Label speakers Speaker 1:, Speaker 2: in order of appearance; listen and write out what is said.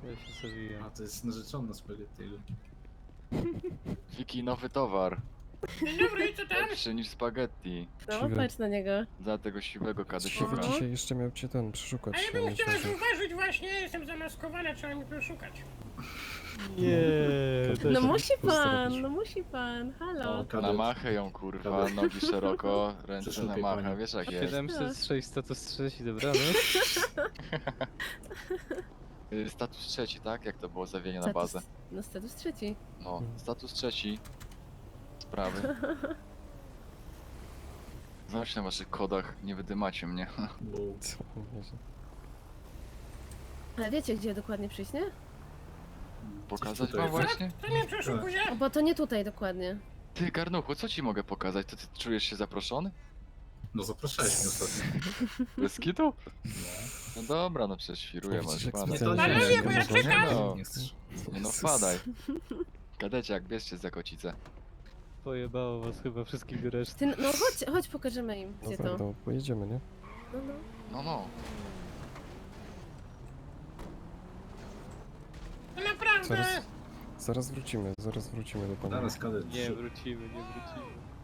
Speaker 1: Ja się zawijam.
Speaker 2: A, to jest narzeczona spaghettiego.
Speaker 3: Wiki, nowy towar.
Speaker 4: Dzień dobry, co tam?
Speaker 3: Lepszy niż spaghetti.
Speaker 5: No,
Speaker 6: Siwy.
Speaker 5: patrz na niego.
Speaker 3: Za tego siwego
Speaker 6: Siwy
Speaker 3: kadesiora.
Speaker 6: dzisiaj jeszcze miał cię ten przeszukać.
Speaker 4: A ja
Speaker 6: a
Speaker 4: bym
Speaker 6: nie
Speaker 4: chciała
Speaker 6: zdążył.
Speaker 4: zauważyć właśnie, jestem zamaskowana, trzeba mi poszukać.
Speaker 1: Nie,
Speaker 5: No
Speaker 1: też
Speaker 5: musi
Speaker 6: to
Speaker 5: pan,
Speaker 6: zrobić.
Speaker 5: no musi pan, halo.
Speaker 2: O,
Speaker 3: Na
Speaker 2: kadet.
Speaker 3: machę ją kurwa,
Speaker 2: Kadet.
Speaker 3: nogi szeroko, ręce na
Speaker 2: Przeszukaj
Speaker 3: machę,
Speaker 2: panią.
Speaker 3: wiesz jak jest.
Speaker 1: 706 status trzeci, dobranoc.
Speaker 3: Status trzeci, tak? Jak to było zawienie na bazę?
Speaker 5: No status trzeci.
Speaker 3: No, status trzeci. Sprawy. Znać na waszych kodach, nie wydymacie mnie.
Speaker 2: Bo
Speaker 6: Co? Nie wiem.
Speaker 5: Ale wiecie gdzie dokładnie przyjść, nie?
Speaker 3: Pokazać
Speaker 2: tutaj.
Speaker 3: wam właśnie?
Speaker 4: Co mnie przeszukuje?
Speaker 5: O, bo to nie tutaj dokładnie.
Speaker 3: Ty, Garnuchu, co ci mogę pokazać? To ty czujesz się zaproszony?
Speaker 2: No zapraszałeś mnie ostatnio.
Speaker 3: Bez kitu? No dobra, no przecież świruję,
Speaker 6: Widzisz,
Speaker 3: masz
Speaker 6: jak
Speaker 3: pan.
Speaker 6: specjalnie
Speaker 4: Panowie,
Speaker 6: nie
Speaker 4: bo ja
Speaker 6: można.
Speaker 4: czekam.
Speaker 3: No.
Speaker 2: Nie chcesz.
Speaker 3: Nie no, wpadaj. Kadeciak, bierzcie za kocicę.
Speaker 1: Pojebało was chyba wszystkich do reszty.
Speaker 5: Ty, no chodź pokażemy im, gdzie
Speaker 6: Dobra,
Speaker 5: to.
Speaker 6: to pojedziemy, nie?
Speaker 5: No, no.
Speaker 3: No, no.
Speaker 4: To naprawdę.
Speaker 6: Zaraz wrócimy do pana.
Speaker 2: Zaraz kadet.
Speaker 1: Nie wrócimy, nie wrócimy.